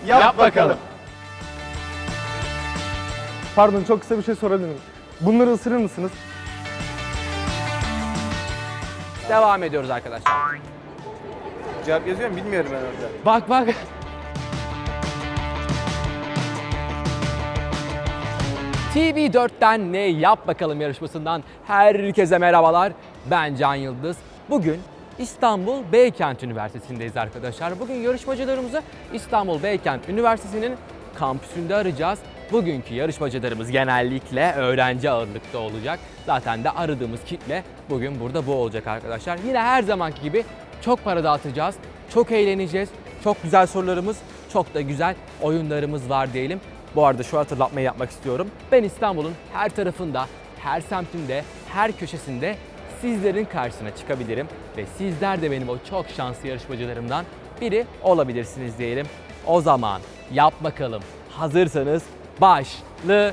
Yap bakalım. Pardon, çok kısa bir şey sorabilir miyim? Bunları ısırır mısınız? Devam ediyoruz arkadaşlar. Cevap yazıyor mu bilmiyorum ben orada. Bak bak. TV4'ten ne yap bakalım yarışmasından herkese merhabalar. Ben Can Yıldız. Bugün İstanbul Beykent Üniversitesi'ndeyiz arkadaşlar. Bugün yarışmacılarımızı İstanbul Beykent Üniversitesi'nin kampüsünde arayacağız. Bugünkü yarışmacılarımız genellikle öğrenci ağırlıkta olacak. Zaten de aradığımız kitle bugün burada bu olacak arkadaşlar. Yine her zamanki gibi çok para dağıtacağız, çok eğleneceğiz, çok güzel sorularımız, çok da güzel oyunlarımız var diyelim. Bu arada şu hatırlatmayı yapmak istiyorum. Ben İstanbul'un her tarafında, her semtinde, her köşesinde sizlerin karşısına çıkabilirim. Ve sizler de benim o çok şanslı yarışmacılarımdan biri olabilirsiniz diyelim. O zaman yap bakalım. Hazırsanız başlıyor.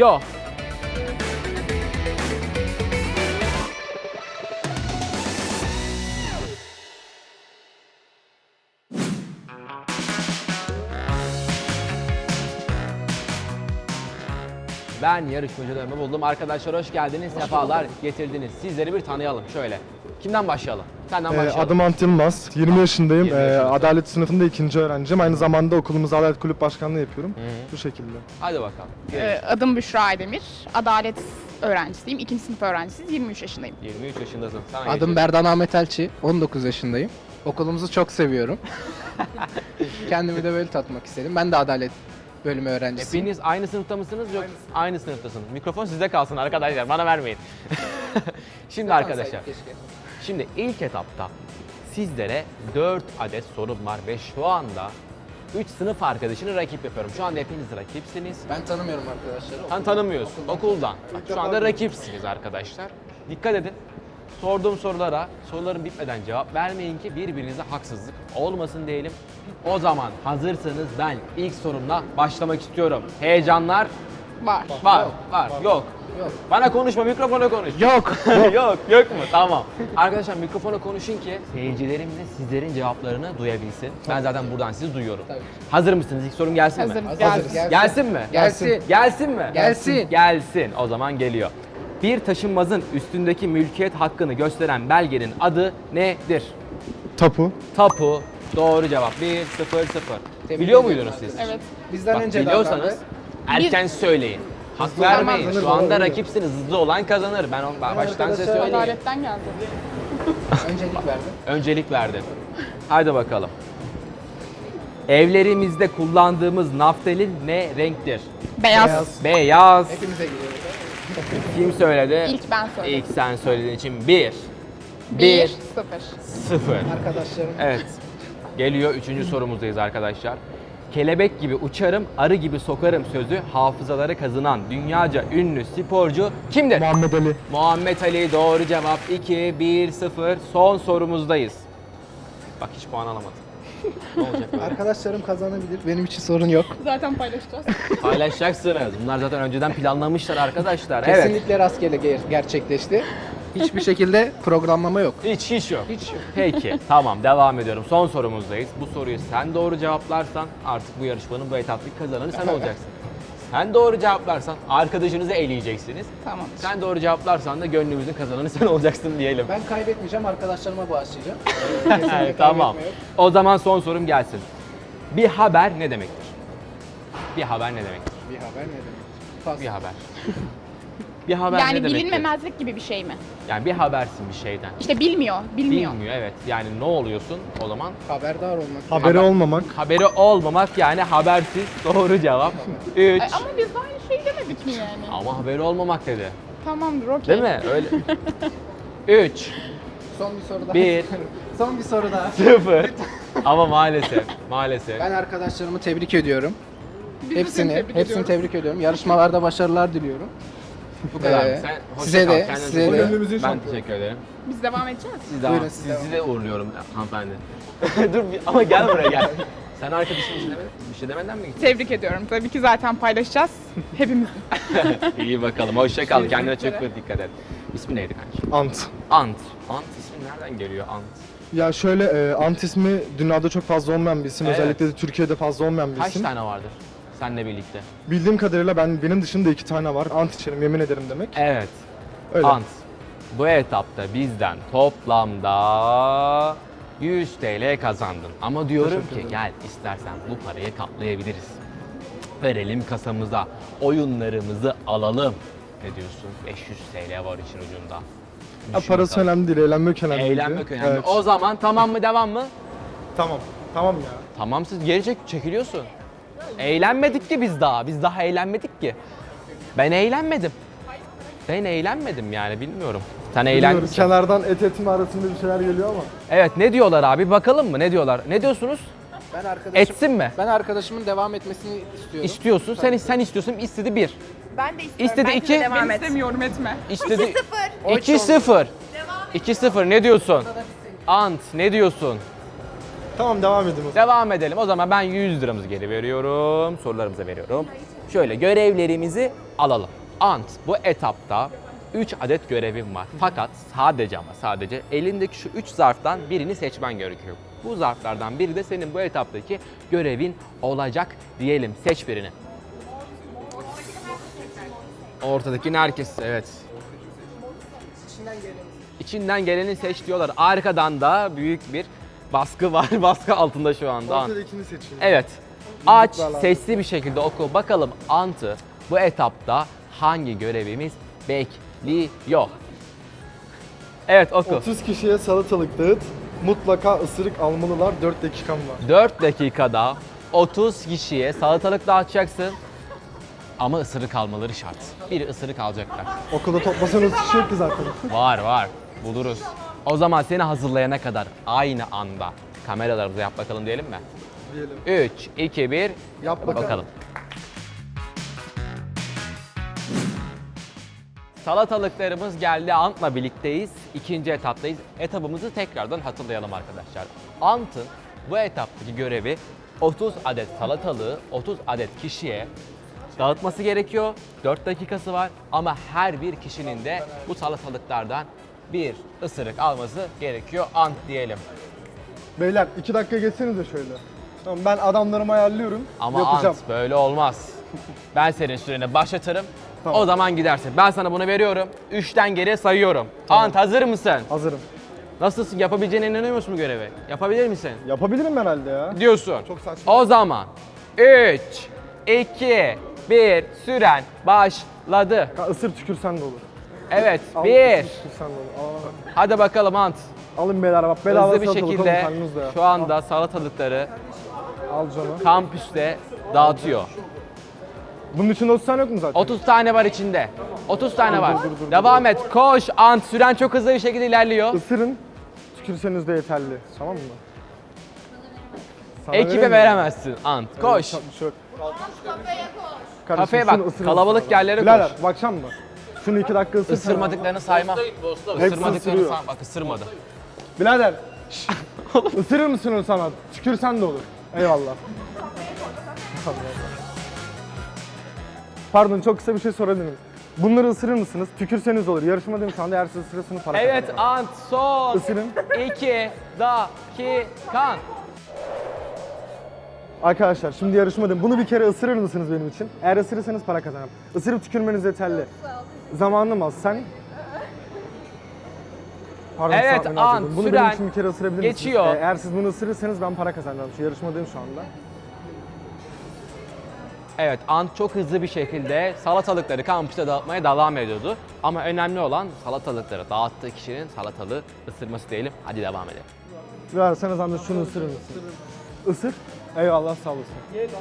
Ben yarışmacılarımı buldum. Arkadaşlar hoş geldiniz, sefalar getirdiniz. Sizleri bir tanıyalım şöyle. Kimden başlayalım? Senden başlayalım. Adım Ant Yılmaz, 20 yaşındayım. 20 yaşındasın. Adalet sınıfında 2. öğrenciyim. Aynı zamanda okulumuzda Adalet Kulüp Başkanlığı yapıyorum. Bu şekilde. Hadi bakalım. Adım Büşra Aydemir. Adalet öğrencisiyim. 2. sınıf öğrencisiyiz. 23 yaşındayım. 23 yaşındasın. Sana Adım geçelim. Berdan Ahmet Elçi, 19 yaşındayım. Okulumuzu çok seviyorum. Kendimi de böyle tatmak istedim. Ben de adalet bölümü öğrencisiyim. Hepiniz aynı sınıfta mısınız? Yok. Aynı sınıftasınız. Mikrofon sizde kalsın arkadaşlar. Bana vermeyin. Şimdi arkadaşlar. Keşke. Şimdi ilk etapta sizlere 4 adet sorum var ve şu anda 3 sınıf arkadaşını rakip yapıyorum. Şu anda hepiniz rakipsiniz. Ben tanımıyorum arkadaşları. Sen tanımıyorsun. Okuldan. Bak, şu anda rakipsiniz arkadaşlar. Dikkat edin. Sorduğum soruların bitmeden cevap vermeyin ki birbirinize haksızlık olmasın diyelim. O zaman hazırsanız ben ilk sorumla başlamak istiyorum. Heyecanlar Var. var. Yok. Yok. Bana konuşma, mikrofona konuş. Yok. Yok mu? Tamam. Arkadaşlar mikrofona konuşun ki seyircilerimiz de sizlerin cevaplarını duyabilsin. Ben zaten buradan sizi duyuyorum. Tabii. Hazır mısınız? İlk sorum gelsin mi? Hazırız. Hazırız. Gelsin. Gelsin mi? Gelsin. Gelsin mi? Gelsin. Gelsin. O zaman geliyor. Bir taşınmazın üstündeki mülkiyet hakkını gösteren belgenin adı nedir? Tapu. Tapu. Doğru cevap. 1-0-0. Tebrik Biliyor ederim muydunuz siz? Evet. Bizden Bak, önce biliyorsanız davrandı. erken söyleyin. Hak Hızlı vermeyin. kazanır, Şu anda doğru. rakipsiniz. Hızlı olan kazanır. Ben baştan size arkadaşlar söyleyeyim. Adaletten geldi. Öncelik verdim. Öncelik verdin. Haydi bakalım. Evlerimizde kullandığımız naftalin ne renktir? Beyaz. Beyaz. Hepimize giriyoruz. Kim söyledi? İlk ben söyledim. İlk sen söylediğin için 1. 1, 0. 0. Arkadaşlarım. Evet. Geliyor 3. sorumuzdayız arkadaşlar. Kelebek gibi uçarım, arı gibi sokarım sözü hafızaları kazınan dünyaca ünlü sporcu kimdir? Muhammed Ali. Muhammed Ali doğru cevap. 2-1-0. Son sorumuzdayız. Bak hiç puan alamadım. Ne olacak böyle? Arkadaşlarım kazanabilir. Benim için sorun yok. Zaten paylaşacağız. Paylaşacaksınız. Bunlar zaten önceden planlamışlar arkadaşlar. Evet. Kesinlikle rastgele gerçekleşti. Hiçbir şekilde programlama yok. Hiç yok. Hiç yok. Peki tamam devam ediyorum. Son sorumuzdayız. Bu soruyu sen doğru cevaplarsan artık bu yarışmanın bu etaplık kazananı sen olacaksın. Sen doğru cevaplarsan arkadaşınızı eleyeceksiniz. Tamam. Sen doğru cevaplarsan da gönlümüzün kazananı sen olacaksın diyelim. Ben kaybetmeyeceğim, arkadaşlarıma bağışlayacağım. Kesinlikle Evet, tamam. kaybetme yok. O zaman son sorum gelsin. Bir haber ne demektir? Bir haber ne demektir? Bir haber ne demek? Pas. Bir haber. Bir haber ne Yani demektir? bilinmemezlik gibi bir şey mi? Yani bir habersin bir şeyden. İşte bilmiyor. Bilmiyor. Bilmiyor evet. Yani ne oluyorsun o zaman? Haberdar olmak. Haberi olmamak. Haberi olmamak yani habersiz. Doğru cevap. 3. Ama biz de aynı şey demedik mi yani? Ama haberi olmamak dedi. Tamamdır, okey. Değil mi? Öyle. 3, Son bir soru daha. Bir. Son bir soru daha. 0. Ama maalesef. Ben arkadaşlarımı tebrik ediyorum. Biz de seni tebrik Hepsini ediyoruz. tebrik ediyorum. Yarışmalarda başarılar diliyorum. Bu kadar. Ee, Sen hoşça size kal, de, kendinize size iyi de. bakın. Ben teşekkür ederim. Biz devam edeceğiz. Buyurun, siz devam Sizi de uğurluyorum hanımefendi. Ama gel buraya gel. Sen arkadaşın bir şey demeden mi gittin? Tebrik ediyorum. Tabii ki zaten paylaşacağız. Hepimizin. İyi bakalım. Hoşça kal. Kendine çok dikkat et. İsmi neydi kanki? Ant. Ant. Ant ismi nereden geliyor Ant? Ya şöyle ant ismi dünyada çok fazla olmayan bir isim. Evet. Özellikle de Türkiye'de fazla olmayan bir Kaç isim. tane vardır seninle birlikte? Bildiğim kadarıyla benim dışında 2 tane var. Ant içerim yemin ederim demek. Evet. Öyle. Ant. Bu etapta bizden toplamda 100 TL kazandın. Ama diyorum Teşekkür ki ederim. gel istersen bu parayı katlayabiliriz. Verelim kasamıza. Oyunlarımızı alalım. Ne diyorsun? 500 TL var için ucunda. Ya Düşün parası bakalım. önemli değil, eğlenmek önemli. Eğlenmek önemli. Evet. O zaman tamam mı, devam mı? Tamam. Tamam ya. Tamam, siz geri çekiliyorsun. Eğlenmedik ki biz daha. Biz daha eğlenmedik ki. Ben eğlenmedim. Ben eğlenmedim yani, bilmiyorum. Sen eğlendin. Bilmiyorum, kenardan etim arasında bir şeyler geliyor ama. Evet, ne diyorlar abi? Bakalım mı? Ne diyorlar? Ne diyorsunuz? Ben Etsin mi? Ben arkadaşımın devam etmesini istiyorum. İstiyorsun. Sen istiyorsun. İstedi 1. Ben de istiyorum. İstedi Bence de iki. devam et. İstemiyorum etme. İstedi 2-0. 2-0. 2-0 ne diyorsun? Ant ne diyorsun? Tamam, devam edin o zaman. Devam edelim. O zaman ben 100 liramızı geri veriyorum. Sorularımıza veriyorum. Şöyle görevlerimizi alalım. Ant, bu etapta 3 adet görevim var. Fakat sadece elindeki şu 3 zarftan birini seçmen gerekiyor. Bu zarflardan biri de senin bu etaptaki görevin olacak diyelim. Seç birini. Ortadakini herkes, evet. İçinden geleni seç diyorlar. Arkadan da büyük bir baskı var. Baskı altında şu anda. Ant. Ortadakini seçeyim. Evet. Aç, Yumruklarla. sesli bir şekilde oku. Bakalım Ant'ı bu etapta hangi görevimiz bekliyor? Evet, oku. 30 kişiye salatalık dağıt. Mutlaka ısırık almalılar. 4 dakikam var. 4 dakikada 30 kişiye salatalık dağıtacaksın. Ama ısırık almaları şart. Bir ısırık alacaklar. Okulda toplasanız kişi yok ki zaten. Var. Buluruz. O zaman seni hazırlayana kadar aynı anda kameralarımıza yap bakalım diyelim mi? Diyelim. 3, 2, 1. Yap bakalım. Salatalıklarımız geldi. Ant'la birlikteyiz. İkinci etaptayız. Etapımızı tekrardan hatırlayalım arkadaşlar. Ant'ın bu etaptaki görevi 30 adet salatalığı 30 adet kişiye dağıtması gerekiyor. 4 dakikası var ama her bir kişinin de bu salatalıklardan bir ısırık alması gerekiyor. Ant diyelim. Beyler 2 dakika geçsenize şöyle. Tamam, ben adamlarımı ayarlıyorum. Ama yapacağım. Ant böyle olmaz. Ben senin süreni başlatırım. Tamam. O zaman gidersin. Ben sana bunu veriyorum. 3'ten geriye sayıyorum. Ant, hazır mısın? Hazırım. Nasılsın? Yapabileceğine inanıyor musun bu görevi? Yapabilir misin? Yapabilirim herhalde ya. Diyorsun. Çok saçma. O zaman 3, 2, 1 süren başladı. Isır tükürsen de olur. Evet, Al, 1. ısır tükürsen de olur. Hadi bakalım Ant. Alın beyler, bak bedava Hızlı bir salatalık alın şekilde karnınızda ya. şu anda salatalıkları Al canım. kampüste dağıtıyor. Bunun içinde 30 tane yok mu zaten? 30 tane var içinde. 30 tane var. dur, Devam et. Koş Ant. Süren çok hızlı bir şekilde ilerliyor. Isırın, tükürseniz de yeterli. Tamam mı? Sana vereyim Ekibe mi? veremezsin Ant. Koş. Bir şey yok. Kardeşim, Kafeye şunu bak, ısırın kalabalık sana. yerlere Birader, koş. bakacak mı? Şunu 2 dakika ısır. Isırmadıklarını sayma. Isırmadıklarını ısırıyor. sayma. Bak ısırmadı. Birader, şşş, ısırır mısın onu sana? Tükürsen de olur. Eyvallah. Pardon, çok kısa bir şey sorabilir miyim? Bunları ısırır mısınız? Tükürseniz olur. Yarışmadayım şu anda. Eğer siz ısırırsınız para Evet kazanırım. Ant. Son Isırın. 2 dakikan. Arkadaşlar şimdi yarışmadayım. Bunu bir kere ısırır mısınız benim için? Eğer ısırırsanız para kazanırım. Isırıp tükürmeniz yeterli. Zamanım az. Sen... Pardon, Evet, saatimi an, harcadım. Bunu süren benim için bir kere ısırabilir misiniz? geçiyor. Eğer siz bunu ısırırsanız ben para kazanacağım. Şu yarışmadayım şu anda. Evet, Ant çok hızlı bir şekilde salatalıkları kampüste dağıtmaya devam ediyordu. Ama önemli olan salatalıkları dağıttığı kişinin salatalığı ısırması diyelim. Hadi devam edelim. Versene zahmet şunu ısırır mısın? Isır. Eyvallah, sağ olasın.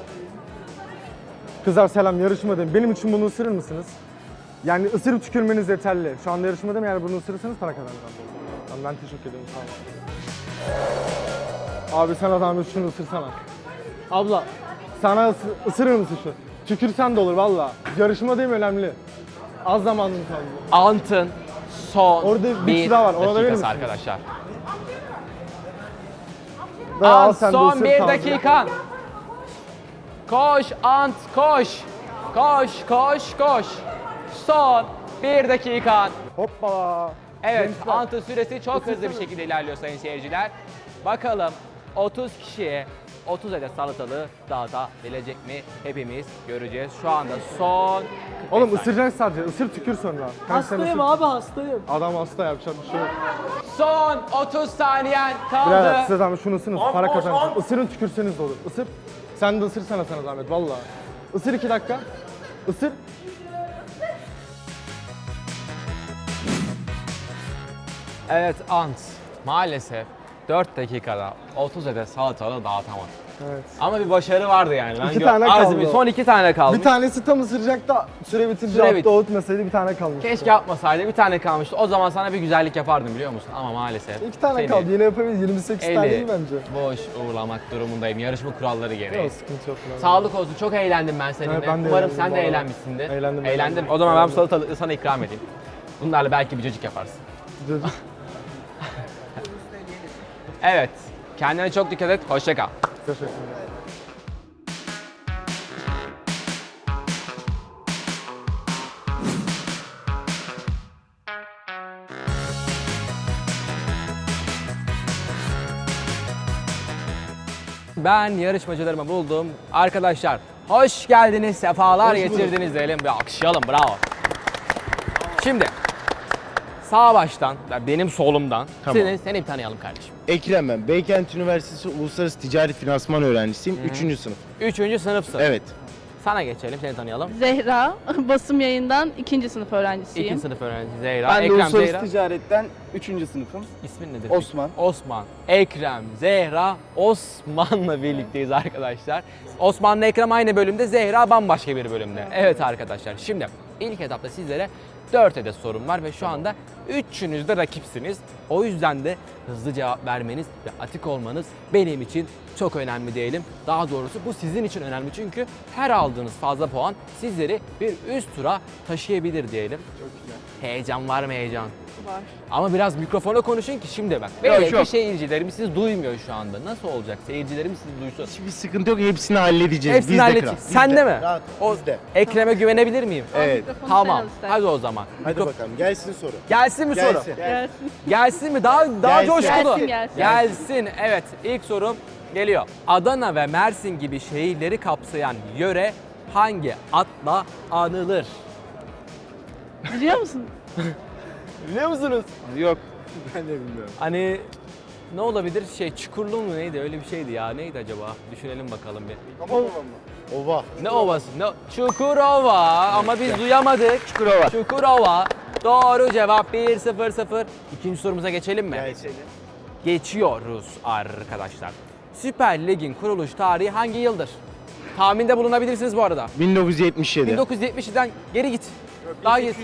Kızlar selam, yarışmadayım. Benim için bunu ısırır mısınız? Yani ısırıp tükürmeniz yeterli. Şu anda yarışmadayım, eğer bunu ısırırsanız para kazanacağım. Tamam, ben teşekkür ederim, sağ olun. Abi sana zahmet şunu ısırsana. Abla, sana ısırır mısın şu? Tükürsen de olur valla. Yarışmadayım, önemli. Az zamanım kaldı. Ant'ın son Orada bir bir kişi daha var, ona da verir dakikası misiniz? arkadaşlar. Al Ant sen de son ısır, bir tamam. dakikan. Koş Ant koş. Koş. Son bir dakikan. Hoppala. Evet, Gençler. Ant'ın süresi çok hızlı bir şekilde ilerliyor sayın seyirciler. Bakalım 30 kişiye 30 adet salatalığı dağıtabilecek mi? Hepimiz göreceğiz. Şu anda son 45 Oğlum saniye. ısıracaksın sadece. Isır tükür sonra. Kanka sen Hastayım ısır. abi hastayım. Adam hasta yapacak bir şey yok. Son 30 saniyen kaldı. Birader size zahmet şunu ısırın. Para kazanırsın. Isırın tükürseniz de olur. Isır. Sen de ısırsana sana zahmet valla. Isır 2 dakika. Isır. Evet Ant, maalesef 4 dakikada 30 adet salatalığı dağıtamadı. Evet. Ama bir başarı vardı yani. Ben İki tane azmi- kaldı. Son 2 tane kaldı. Bir tanesi tam ısıracak da süre bitince Süre attı bitti. öğütmeseydi bir tane kalmıştı. Keşke yapmasaydı, bir tane kalmıştı. O zaman sana bir güzellik yapardım biliyor musun? Ama maalesef. 2 tane seni kaldı yine yapabiliriz. 28 tane eli değil bence. boş uğurlamak durumundayım. Yarışma kuralları gereği. Yok sıkıntı yok. lan. Sağlık olsun. Çok eğlendim ben seninle. Evet, ben de Umarım eğlendim sen bu de arada. eğlenmişsindir. Eğlendim, Eğlendim. eğlendim. O zaman ben bu Eğlendim. salatalığı sana ikram edeyim. Bunlarla belki bir cacık yaparsın. Çocuk. Evet. Kendine çok dikkat et. Hoşça kal. Teşekkür ederim. Ben yarışmacılarımı buldum. Arkadaşlar hoş geldiniz, sefalar getirdiniz diyelim. Bir alkışlayalım, bravo. Şimdi sağ baştan, benim solumdan Tamam. seni bir tanıyalım kardeşim. Ekrem ben. Beykent Üniversitesi Uluslararası Ticaret Finansman öğrencisiyim. 3. sınıf. 3. sınıfsın. Evet. Sana geçelim, seni tanıyalım. Zehra, basım yayından 2. sınıf öğrencisiyim. 2. sınıf öğrencisi Zehra. Ben de Ekrem uluslararası Zehra. ticaretten 3. sınıfım. İsmin nedir? Osman. Osman. Ekrem, Zehra, Osman'la birlikteyiz arkadaşlar. Osman'la Ekrem aynı bölümde, Zehra bambaşka bir bölümde. Evet arkadaşlar, şimdi ilk etapta sizlere 4 adet sorum var ve şu anda üçünüz de rakipsiniz. O yüzden de hızlı cevap vermeniz ve atik olmanız benim için çok önemli diyelim. Daha doğrusu bu sizin için önemli çünkü her aldığınız fazla puan sizleri bir üst tura taşıyabilir diyelim. Çok güzel. Heyecan var mı heyecan? Var. Ama biraz mikrofona konuşun ki şimdi bak. Yok, Belki yok. seyircilerimiz sizi duymuyor şu anda. Nasıl olacak? Seyircilerimiz sizi duysun. Hiçbir sıkıntı yok. Hepsini halledeceğiz. Hepsini Biz de halledeceğiz. kral. Biz Sen de mi? Rahat. O Biz de. Ekrem'e güvenebilir miyim? Evet. Mikrofonu Tamam. sen al istersen. Hadi o zaman. Hadi bakalım. Gelsin soru. Gelsin mi soru? Gelsin. Gelsin. Gelsin mi? Daha Gelsin. coşkulu. Gelsin. Gelsin. Evet. İlk sorum geliyor. Adana ve Mersin gibi şehirleri kapsayan yöre hangi adla anılır? Biliyor musun? Biliyor musunuz? Yok. Ben de bilmiyorum. Hani ne olabilir? Çukurlu mu neydi? Öyle bir şeydi ya. Neydi acaba? Düşünelim bakalım bir. Ova. Ne ovası? Ne? Çukurova ama biz duyamadık. Çukurova. Çukurova. Doğru cevap 1-0-0. İkinci sorumuza geçelim mi? Gelsin. Geçiyoruz arkadaşlar. Süper Lig'in kuruluş tarihi hangi yıldır? Tahminde bulunabilirsiniz bu arada. 1977. 1970'den geri git. Daha git.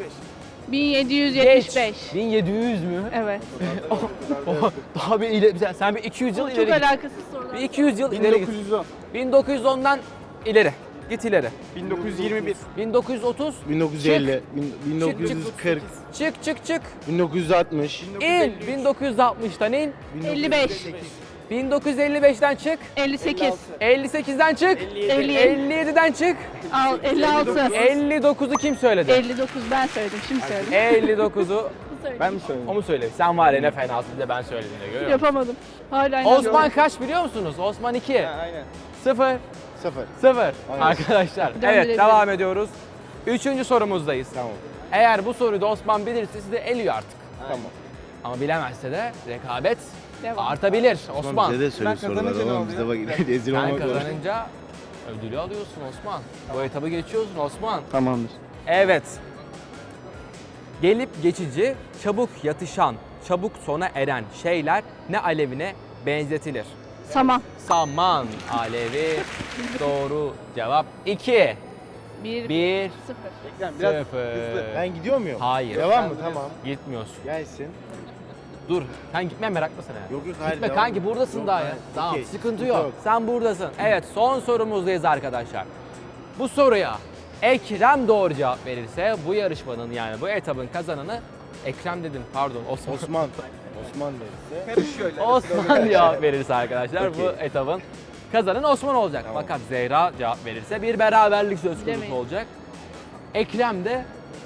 1775. 1700 mü? Evet. Daha bir ileri. Sen bir 200 yıl Çok ileri git. alakasız sorular. Bir 200 yıl ileri git. 1910'dan ileri. Git ileri. 1921. 1930. 1950. 1940. Çık. 1960. İn. 1960'tan in. 55. 1955'ten çık. 58. 58'den çık. 57. 57'den çık. 56. 59'u kim söyledi? 59 ben söyledim. Şimdi söyledim. 59'u Ben mi söyleyeyim? o mu söyledi? Sen var ya ne fenasın bir de ben söyledim de görüyor musun? Yapamadım. Hala Osman kaç biliyor musunuz? Osman 2. Aynen. 0. 0. 0. Arkadaşlar evet Döndürelim. devam ediyoruz. Üçüncü sorumuzdayız. Tamam. Eğer bu soruyu da Osman bilirse sizi eliyor artık. Tamam. Ama bilemezse de rekabet Devam. artabilir Osman. Bize de söyle Ben kazanınca soruları ne oğlum. oluyor? Biz de bak rezil Sen olmak var. kazanınca ödülü alıyorsun Osman. Bu etabı geçiyorsun Osman. Tamamdır. Evet. Gelip geçici, çabuk yatışan, çabuk sona eren şeyler ne alevine benzetilir? Saman. Saman alevi. Doğru cevap 2. 1. 1 0. Biraz 0. Ben gidiyor muyum? Hayır. Devam mı? Tamam. Gitmiyorsun. Gelsin. Dur. Sen gitme meraklısın ya. Yok yok hayır. Gitme devam. kanki buradasın Yok, daha ya. hayır. Tamam Okey, sıkıntı yok. Sen buradasın. Evet son sorumuzdayız arkadaşlar. Bu soruya Ekrem doğru cevap verirse bu yarışmanın yani bu etabın kazananı Ekrem dedim pardon Osman. Osman. Osman verirse. Osman cevap verirse arkadaşlar bu Okey. etabın kazananı Osman olacak. Tamam. Fakat Zehra cevap verirse bir beraberlik söz konusu Bilemeyiz. olacak. Ekrem de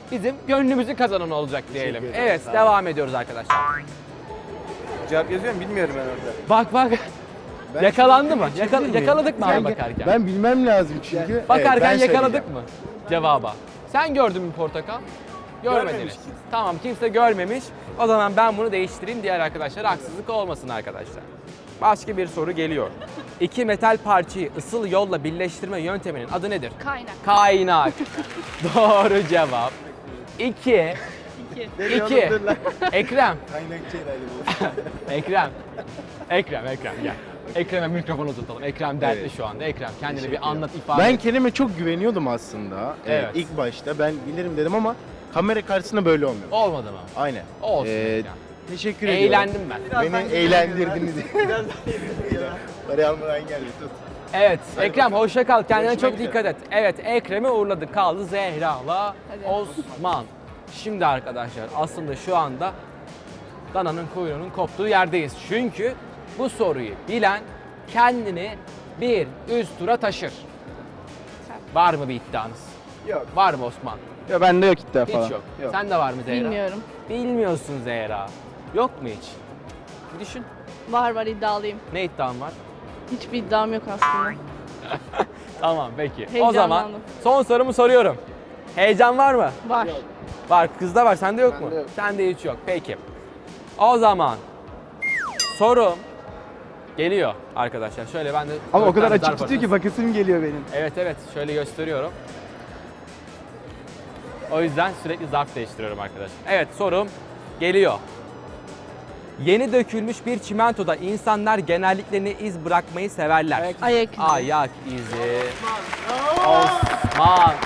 bizim gönlümüzü kazanan olacak diyelim. Teşekkür ederim, Evet, sağ olun. devam ediyoruz arkadaşlar. Cevap yazıyor mu bilmiyorum ben orada. Bak bak. Ben Yakalandı mı? şimdi çekebilir miyim? Yakaladık mı abi Ben- bakarken? Ben bilmem lazım çünkü. Bakarken Evet, ben yakaladık söyleyeceğim. mı cevaba? Sen gördün mü portakal? Görmediniz. Görmemiş kimse. Tamam, kimse görmemiş. O zaman ben bunu değiştireyim, diğer arkadaşlara haksızlık olmasın arkadaşlar. Başka bir soru geliyor. İki metal parçayı ısıl yolla birleştirme yönteminin adı nedir? Kaynak. Kaynak. Doğru cevap. 2. 2. Ekrem. Ekrem. Ekrem gel. Ekrem'e mikrofon uzatalım. Ekrem dertli Evet. şu anda. Ekrem kendini Teşekkür bir anlat, ifade Ben et. Kerem'e çok güveniyordum aslında. Evet. İlk başta ben bilirim dedim ama kamera karşısında böyle olmuyor. Olmadı mı? Aynen. Olsun. Ee, Ekrem. Teşekkür ediyorum. Eğlendim ben. Beni eğlendirdiniz. Parayı almadan geldi tut. Evet, Ekrem hoşça kal. Kendine Görüşmek çok dikkat et. Evet, Ekrem'i uğurladık. Kaldı Zehra'la Osman. Şimdi arkadaşlar aslında şu anda dananın kuyruğunun koptuğu yerdeyiz. Çünkü bu soruyu bilen kendini bir üst tura taşır. Var mı bir iddianız? Yok. Var mı Osman? Ya bende yok iddia falan. Hiç yok. Sen de var mı Zehra? Bilmiyorum. Bilmiyorsun Zehra. Yok mu hiç? Bir düşün. Var iddialıyım. Ne iddian var? Hiçbir iddiam yok aslında. Tamam peki. O Heyecanlandım. zaman son sorumu soruyorum. Heyecan var mı? Var. Var. Kızda var. Sende yok mu? Bende yok. Sende hiç yok. Peki. O zaman sorum geliyor arkadaşlar. Şöyle ben de... Ama o dört kadar tane açık zarf tutuyor ki atıyorsun. bakasım geliyor benim. Evet. Şöyle gösteriyorum. O yüzden sürekli zarf değiştiriyorum arkadaşlar. Evet, sorum geliyor. Yeni dökülmüş bir çimentoda insanlar genellikle ne iz bırakmayı severler? Ayak izi. Ayak izi. Osman.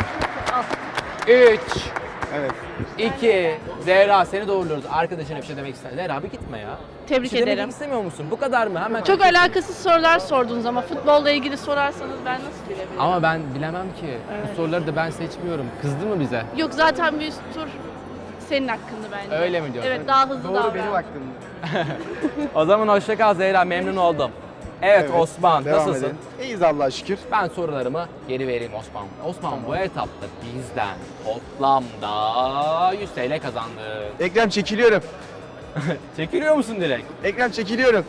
3. Evet. 2. Zehra, seni doğruluyoruz. Arkadaşına bir şey demek ister. Zehra abi gitme ya. Tebrik Bir şey demek ederim. istemiyor musun? Bu kadar mı? Hemen. Çok alakasız sorular sordunuz ama futbolla ilgili sorarsanız ben nasıl bilebilirim? Ama ben bilemem ki. Bu soruları da ben seçmiyorum. Kızdı mı bize? Yok zaten bir üst tur senin hakkında bence. Öyle mi diyorsun? Evet, daha hızlı Doğru davran. benim aklımda. O zaman hoşça kal Zehra, memnun oldum. Evet, Osman, Devam nasılsın? edelim. İyiyiz Allah'a şükür. Ben sorularımı geri vereyim Osman. Osman bu etapta bizden toplamda 100 TL kazandı. Ekrem çekiliyorum. Çekiliyor musun direkt? Ekrem çekiliyorum.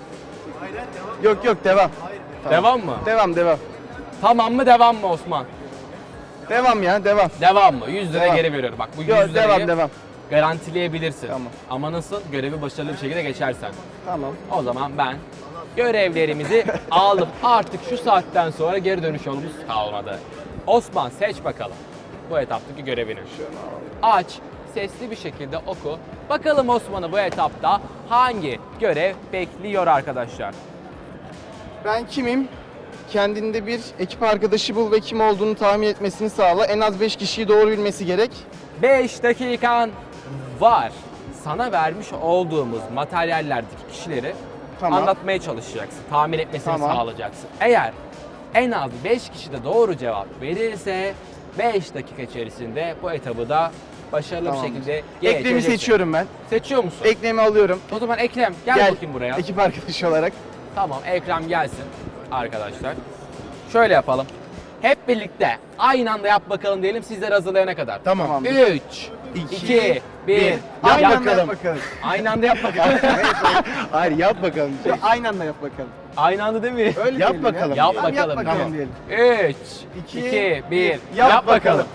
Yok devam. Devam mı? Devam. Tamam mı, devam mı Osman? Devam ya devam. Devam mı? 100 lira Devam. geri veriyorum. Bak bu 100 Yok lirayı devam. garantileyebilirsin. Tamam. Ama nasıl? Görevi başarılı bir şekilde geçersen. Tamam. O zaman ben görevlerimizi aldım. Artık şu saatten sonra geri dönüş yolumuz kalmadı. Osman, seç bakalım bu etaptaki görevini. Aç, sesli bir şekilde oku. Bakalım Osman'ı bu etapta hangi görev bekliyor arkadaşlar? Ben kimim? Kendinde bir ekip arkadaşı bul ve kim olduğunu tahmin etmesini sağla. En az 5 kişiyi doğru bilmesi gerek. 5 dakikan var. Sana vermiş olduğumuz materyallerdeki kişileri Tamam. anlatmaya çalışacaksın. Tahmin etmesini Tamam. sağlayacaksın. Eğer en az 5 kişi de doğru cevap verirse 5 dakika içerisinde bu etabı da başarılı Tamam. bir şekilde Ekrem'i geçeceksin. seçiyorum ben. Seçiyor musun? Ekrem'i alıyorum. O zaman Ekrem gel, bakayım buraya. Ekip arkadaşı olarak. Tamam, Ekrem gelsin arkadaşlar. Şöyle yapalım. Hep birlikte aynı anda yap bakalım diyelim, sizler hazırlayana kadar. Tamam. 3, 2, 1. Aynı anda yap bakalım. Aynı anda yap bakalım. Hayır yap bakalım. Aynı anda yap bakalım. Aynı anda değil mi? Öyle Yap diyelim ya. bakalım. Yap Tamam, bakalım. Tamam. diyelim. 3, 2, 1. bir. Yap bakalım.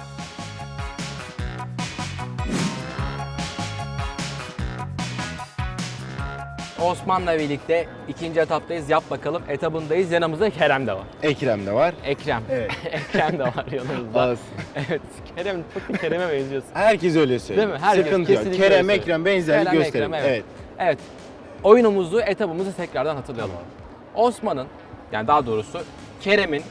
Osman'la birlikte ikinci etaptayız. Yap bakalım. Etabındayız. Yanımızda Kerem de var. Ekrem de var. Ekrem. Evet. Ekrem de var yanımızda. Olsun. Evet. Kerem'e benziyorsun. Herkes öyle söylüyor. Değil mi? Herkes Sıkıntı yok. kesinlikle Kerem, öyle Ekrem benzerlik Kerem, gösterin. Ekrem, Evet. Evet. Oyunumuzu, etabımızı tekrardan hatırlayalım. Osman'ın, yani daha doğrusu Ekrem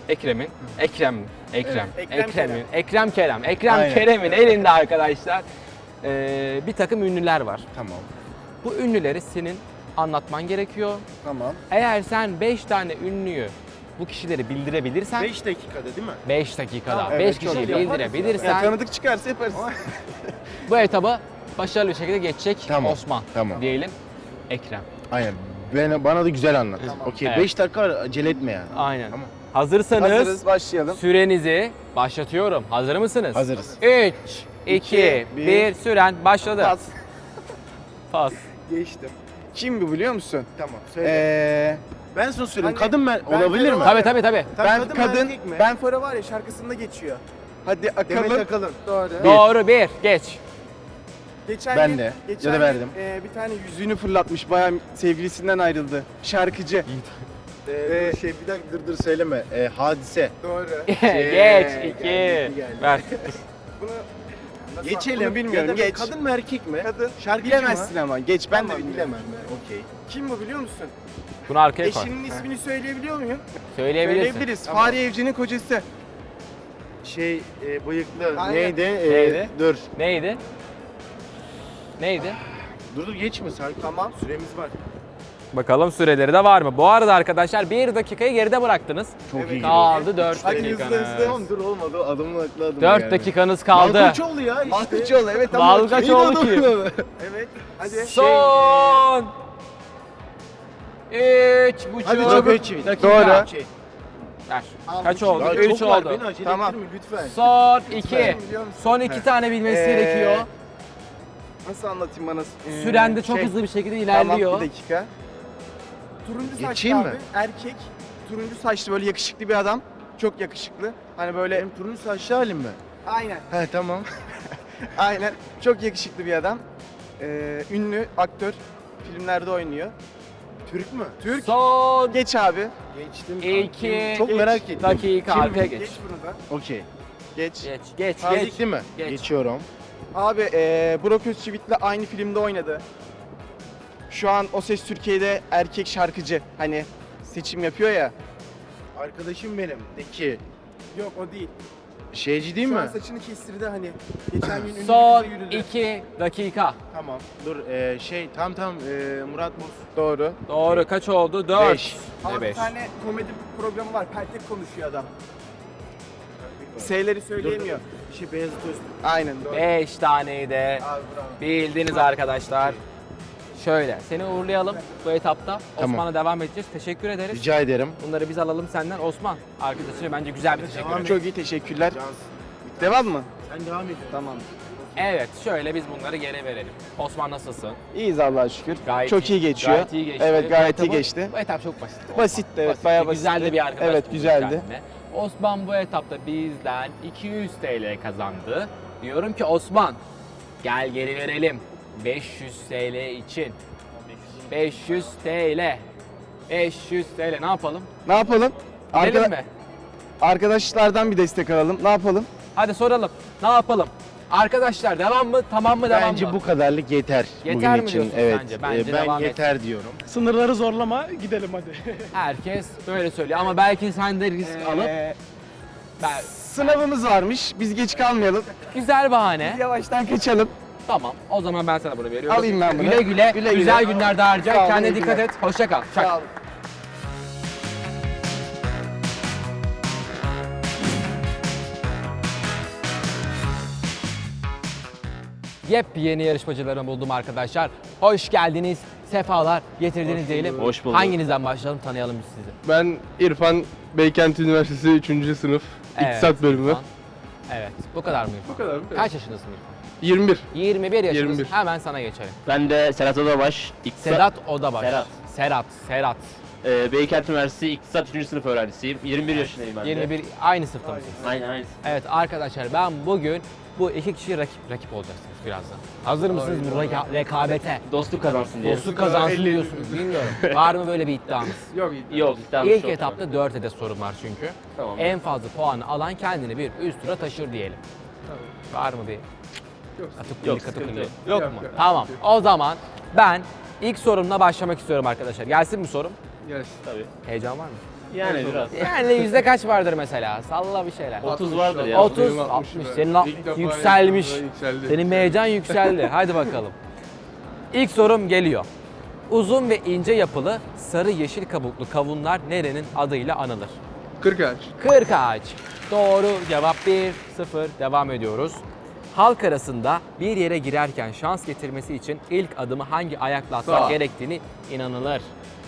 Aynen. Kerem'in elinde arkadaşlar bir takım ünlüler var. Tamam. Bu ünlüleri senin anlatman gerekiyor. Tamam. Eğer sen 5 tane ünlüyü, bu kişileri bildirebilirsen 5 dakikada değil mi? 5 dakikada Tamam, 5 evet, kişiyi çok iyi. bildirebilirsen Ya, tanıdık çıkarsa yaparız. bu etabı başarılı bir şekilde geçecek Tamam, Osman tamam. diyelim. Ekrem. Aynen. Bana da güzel anlat. Okey. Evet. 5 dakika acele etme yani. Aynen. Tamam. Hazırsanız Hazırız, başlayalım. sürenizi başlatıyorum. Hazır mısınız? Hazırız. 3, 2, 1, süren başladı. Pas. Pas. Geçtim. Kim bu biliyor musun? Tamam. Söyle. Ben sana söyleyeyim. hani kadın ben ben olabilir mi? Tabii tabii tabii. Ben kadın mı, kadın, erkek mi? Ben Fora var ya şarkısında geçiyor. Hadi Demet akalım. Akalın. Doğru. Doğru, bir. Geç. Geçen Ben gün, de. geçen Ya da verdim. gün, bir tane yüzüğünü fırlatmış. Bayağı sevgilisinden ayrıldı. Şarkıcı. Bir dakika dur söyleme. Hadise. Doğru. Geç. geldi, 2. geldi. Ver. Geçelim. Bunu bilmiyorum, Ya da geç. Kadın mı erkek mi? Kadın. Şarkıcı Bilemezsin mı? ama. Geç ben de Tamam, bilmiyorum. bilemem. Okey. Kim bu biliyor musun? Bunu arkaya koy. Eşinin ismini söyleyebiliyor muyum? Söyleyebilirsin. Söyleyebiliriz. Tamam. Fahriye Evcen'in kocası. Bıyıklı. Aynen. Neydi? Neydi? Dur. Neydi? Neydi? Dur geçme sakin. Tamam. Süremiz var. Bakalım süreleri de var mı? Bu arada arkadaşlar 1 dakikayı geride bıraktınız. Çok iyi. Kaldı 4 Hadi hızlı dakikanız. hızlı. Tamam dur olmadı. Adımın aklı adım. 4 dakikanız kaldı. Malkoçoğlu ya işte. Malkoçoğlu evet ama. Malkoçoğlu kim? Evet. Hadi. Son 3,5 Hadi çok ölçü. dakika. Doğru. Ver. Kaç oldu? Ya 3 çok var, oldu. beni acele Tamam. ettirme lütfen. Son 2. biliyor musun? Son 2 tane bilmesi gerekiyor. Nasıl anlatayım bana? Süren de çok hızlı bir şekilde ilerliyor. Tamam bir dakika. Turuncu saçlı Geçeyim abi. mi? Erkek. Turuncu saçlı böyle yakışıklı bir adam. Çok yakışıklı. Hani böyle. Benim turuncu saçlı halim mi? Aynen. He tamam. Aynen. Çok yakışıklı bir adam. Ünlü aktör. Filmlerde oynuyor. Türk mü? Türk. Son Geç abi. Geçtim. 2 Çok merak ettim. dakika Kim? arkaya geç. Geç bunu da. Okey. Geç. Geç, geç, geç. Tazik değil mi? Geç. Geçiyorum. Abi Burak Özçivit'le aynı filmde oynadı. Şu an O Ses Türkiye'de erkek şarkıcı. Hani seçim yapıyor ya. Arkadaşım benim. De ki Yok o değil. şeyci değil Şu mi? an saçını kestirdi hani. Geçen gün ünlü Son bir kıza yürüdü. 2 dakika. Tamam. Dur tam Murat Buz. Doğru. Doğru. Kaç oldu? 4. Beş. Abi Ne bir 5? tane komedi programı var. Peltek konuşuyor adam. S'leri söyleyemiyor. Bir şey Beyazıt Öztürk. Aynen doğru. 5 taneyi de Abi bravo. bildiniz arkadaşlar. Şöyle seni uğurlayalım bu etapta. Tamam. Osman'a devam edeceğiz. Teşekkür ederiz. Rica ederim. Bunları biz alalım senden. Osman arkadaşına bence güzel bir teşekkür Devam ederim. Çok iyi teşekkürler. Cans. Devam mı? Sen devam et. Tamam. Evet şöyle biz bunları geri verelim. Osman nasılsın? İyiyiz Allah'a şükür. Gayet Çok iyi geçiyor. Gayet iyi geçti. Evet gayet Bu iyi etabı- geçti. Bu etap çok basit. Basitti, evet, bayağı Güzel de basitti. bir arkadaş. Evet, bulduk güzeldi. kendine. Osman bu etapta bizden 200 TL kazandı. Diyorum ki Osman gel geri verelim. 500 TL için. 500 TL. 500 TL ne yapalım? Ne yapalım? Gidelim mi? Arkadaşlardan bir destek alalım. Ne yapalım? Hadi soralım. Ne yapalım? Arkadaşlar devam mı? Tamam mı? Devam Bence mı? bu kadarlık yeter, Yeter bugün mi için. diyorsun Evet. sence? Bence ben devam yeter diyorum. Sınırları zorlama, gidelim hadi. Herkes böyle söylüyor ama belki sen de risk alıp ben, Sınavımız varmış. Biz geç kalmayalım. güzel bahane. Yavaştan kaçalım. Tamam. O zaman ben sana bunu veriyorum. Alayım ben bunu. Güle güle. Güle güle. Güzel günlerde harca. Sağ ol, Kendine güle dikkat güle. et. Hoşça kal. Çak. Sağ olun. Yepyeni yarışmacılarımı buldum arkadaşlar. Hoş geldiniz. Sefalar getirdiniz diyelim. Hoş bulduk. Hanginizden başlayalım tanıyalım biz sizi. Ben İrfan, Beykent Üniversitesi 3. sınıf İktisat bölümü. İrfan. Evet. Bu kadar mı İrfan? Bu kadar mı? Kaç yaşındasın İrfan? 21. 21 yaşındasın. 21. Hemen sana geçelim. Ben de Serhat Odabaş. Sedat Odabaş. Serhat. Serhat. Beykent Üniversitesi İktisat 3. sınıf öğrencisiyim. 21 yaşındayım ben de. 21 aynı sınıfta mısınız? Aynen. Evet arkadaşlar ben bugün bu iki kişi rakip olacaksınız birazdan. Hazır mısınız bu rekabete? Dostluk kazansın diye. Dostluk kazansın diyorsunuz bilmiyorum. Var mı böyle bir iddianız? Yok. Tamam, İlk çok etapta 4 adet sorun var çünkü. Tamam. En fazla puanı alan kendini bir üst tura taşır diyelim. Var mı bir? Yok, Katıklı. sıkıntı yok. Yok mu? Tamam. O zaman ben ilk sorumla başlamak istiyorum arkadaşlar. Gelsin mi sorum? Tabii. Heyecan var mı? Yani biraz. Yani yüzde kaç vardır mesela? Salla bir şeyler. 30 vardır ya. 30, 60. Senin yükselmiş. Senin heyecan yükseldi. Hadi bakalım. İlk sorum geliyor. Uzun ve ince yapılı sarı yeşil kabuklu kavunlar nerenin adıyla anılır? Kırkağaç. Kırkağaç. Doğru cevap 1-0. Devam ediyoruz. Halk arasında bir yere girerken şans getirmesi için ilk adımı hangi ayakla atmak Sağ. gerektiğini inanılır.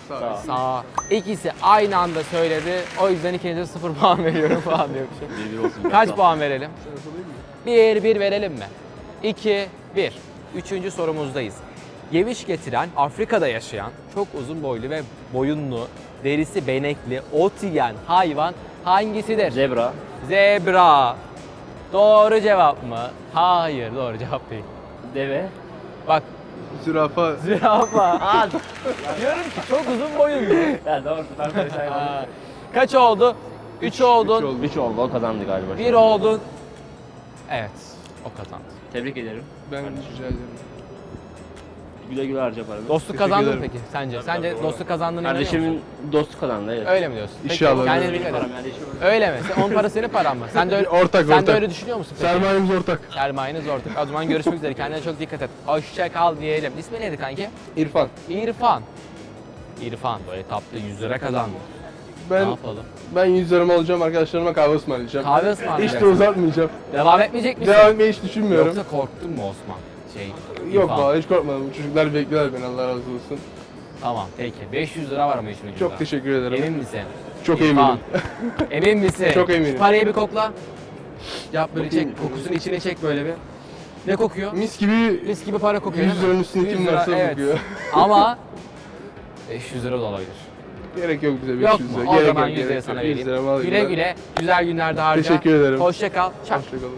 Sağ. Sağ. İkisi aynı anda söyledi. O yüzden ikinize 0 puan veriyorum falan diyormuşum. 1-1 olsun. Kaç puan verelim? 1 verelim mi? 2 1. Üçüncü sorumuzdayız. Geviş getiren, Afrika'da yaşayan, çok uzun boylu ve boyunlu, derisi benekli, ot yiyen hayvan hangisidir? Zebra. Zebra. Doğru cevap mı? Hayır, doğru cevap değil. Deve. Bak, Zürafa. zürafa. Diyorum ki çok uzun boyunlu. Ya doğru. Aa, Kaç oldu? 3 oldun. 3 oldu. O kazandı galiba. 1 oldun. Evet, o kazandı. Tebrik ederim. Ben rica ederim. Güle güle harca paranı. Dostluk kazandın mı ederim. peki sence? Sence dostluk kazandığını inanıyor musun? Kardeşimin dostu kazandı. Evet. Öyle mi diyorsun? Peki, İnşallah kendine öyle. dikkat et. Param yani işim yok. Öyle mi? Onun parası senin paran mı? Sen de öyle, Ortak, sen de ortak. öyle düşünüyor musun peki? Sermayemiz ortak. Sermayeniz ortak. O zaman görüşmek üzere. Kendine çok dikkat et. Hoşça kal diyelim. İsmi neydi kanki? İrfan. İrfan. İrfan böyle tatlı 100 lira kazandı. Ne Ben yapalım? 100 liramı alacağım, arkadaşlarıma kahve ısmarlayacağım. Kahve Hiç de ısmarlayacaksın. uzatmayacağım. Devam etmeyecek misin? Devam etmeyi hiç düşünmüyorum. Yoksa korktun mu Osman? Yok İrfan. valla hiç korkmadım. Çocuklar bekliyorlar beni, Allah razı olsun. Tamam peki. 500 lira var ama işin ucunda. Çok teşekkür ederim. Emin misin? Çok İrfan. eminim. Emin misin? Çok eminim. Şu parayı bir kokla. Yap böyle çek. Kokusunu içine çek böyle bir. Ne kokuyor? Mis gibi Mis gibi para kokuyor 100 değil mi? liranın üstünde 100 kim lira, varsa evet. kokuyor. Ama 500 lira da olabilir. Gerek yok bize 500 Yok lira. mu? O Gerek zaman yok, 100 lira gerek sana yok. 100 vereyim. liramı alayım Güle ben. güle. Güzel günlerde harca. Teşekkür ederim. Hoşça kal. Çak. Hoşçakalın.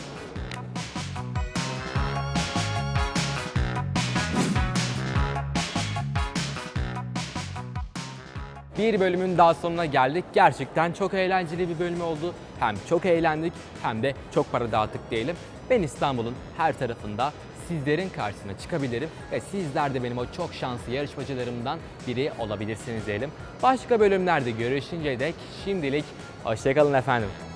Bir bölümün daha sonuna geldik. Gerçekten çok eğlenceli bir bölüm oldu. Hem çok eğlendik hem de çok para dağıttık diyelim. Ben İstanbul'un her tarafında sizlerin karşısına çıkabilirim ve sizler de benim o çok şanslı yarışmacılarımdan biri olabilirsiniz diyelim. Başka bölümlerde görüşünceye dek şimdilik hoşça kalın efendim.